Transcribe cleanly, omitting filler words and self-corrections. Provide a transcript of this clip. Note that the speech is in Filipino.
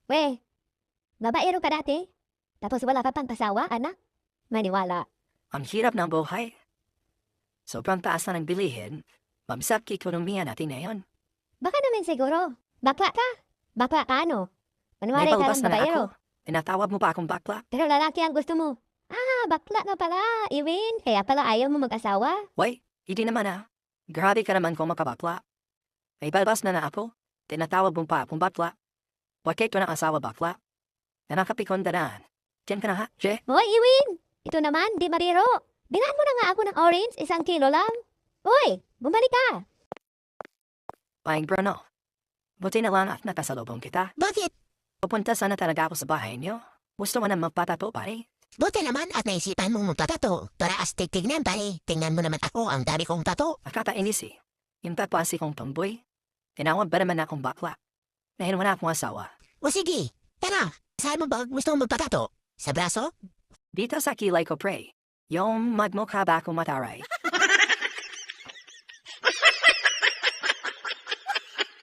We, babaero ka dati? Tapos wala ka pang pasawa, anak? Maniwala. Ang hirap ng buhay. Sobrang taas na ng bilihin, mamsap ekonomiya natin ngayon. Baka naman siguro. Bakla ka. Bakla ka ano? May Manwari ka palabas ng na babaero. ako. Tinatawag mo pa akong bakla? Pero lalaki ang gusto mo. Bakla na pala, Iwin. Kaya pala ayaw mo mag-asawa. Wait, hindi naman Grabe ka naman kung makabakla. May palabas na ako. Tinatawag mo pa akong bakla. Bakit ko na asawa bakla? Nakakapikon daraan. Diyan ka na Je? Hoy, Iwin! Ito naman, di mariro. Bilhan mo na nga ako ng orange, 1 kilo lang. Hoy, bumalik ka. Paing Bruno. Buti na lang at nakasalubong kita. Bakit? Pupunta sana talaga ako sa bahay niyo. Gusto mo na magpatato, pare? Buti naman at naisipan mong magtatato. Para astig tignan pare. Tingnan mo naman ako, ang dami kong tato. Nakakainis Yung papasi kong tomboy. Tinawag ba naman akong bakla? Dahil wala akong asawa. O sige, tara. Saan mo ba gusto mong magpatato? Sa braso? Dito sa kilay ko, pre. Yung magmukha ba akong mataray?